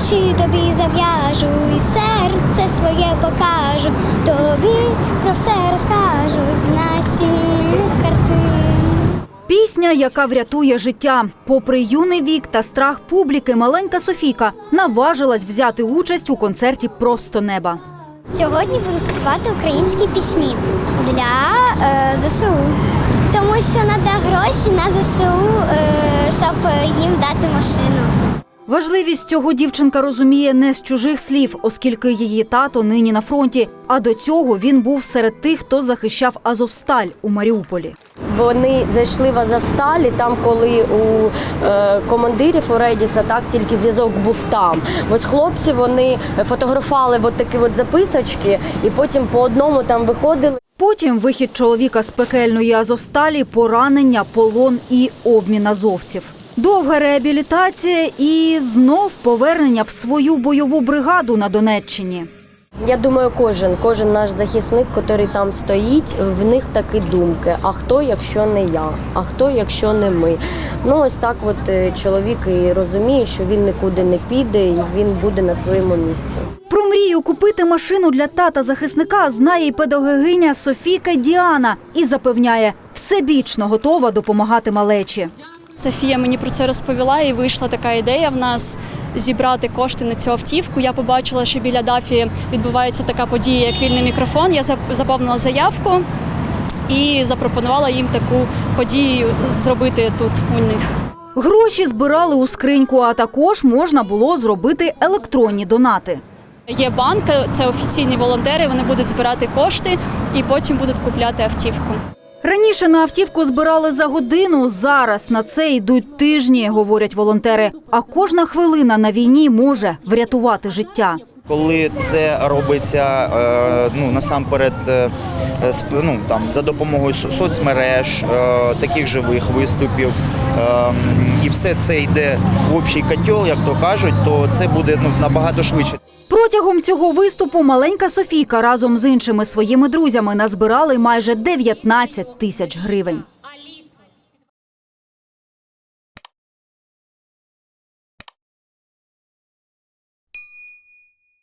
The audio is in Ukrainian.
очі тобі зав'яжу, і серце своє покажу, тобі про все розкажу з настільних картин. Пісня, яка врятує життя. Попри юний вік та страх публіки, маленька Софійка наважилась взяти участь у концерті «Просто неба». Сьогодні буду співати українські пісні для ЗСУ, тому що треба гроші на ЗСУ, щоб їм дати машину. Важливість цього дівчинка розуміє не з чужих слів, оскільки її тато нині на фронті, а до цього він був серед тих, хто захищав Азовсталь у Маріуполі. Вони зайшли в Азовсталь, і там, коли у командирів у Редіса, так, тільки зв'язок був там. Ось хлопці, вони фотографували от такі от записочки, і потім по одному там виходили. Потім вихід чоловіка з пекельної Азовсталі, поранення, полон і обмін азовців. Довга реабілітація і знов повернення в свою бойову бригаду на Донеччині. Я думаю, кожен наш захисник, який там стоїть, в них такі думки. А хто, якщо не я? А хто, якщо не ми? Ну, ось так от чоловік і розуміє, що він нікуди не піде і він буде на своєму місці. Про мрію купити машину для тата-захисника знає і педагогиня Софійка Діана і запевняє, всебічно готова допомагати малечі. Софія мені про це розповіла, і вийшла така ідея в нас зібрати кошти на цю автівку. Я побачила, що біля ДАФі відбувається така подія, як вільний мікрофон. Я заповнила заявку і запропонувала їм таку подію зробити тут у них. Гроші збирали у скриньку, а також можна було зробити електронні донати. Є банк, це офіційні волонтери, вони будуть збирати кошти і потім будуть купляти автівку. Раніше на автівку збирали за годину, зараз на це йдуть тижні, говорять волонтери. А кожна хвилина на війні може врятувати життя. Коли це робиться насамперед за допомогою соцмереж, таких живих виступів, і все це йде в общий котел, як то кажуть, то це буде набагато швидше. Протягом цього виступу маленька Софійка разом з іншими своїми друзями назбирали майже 19 тисяч гривень.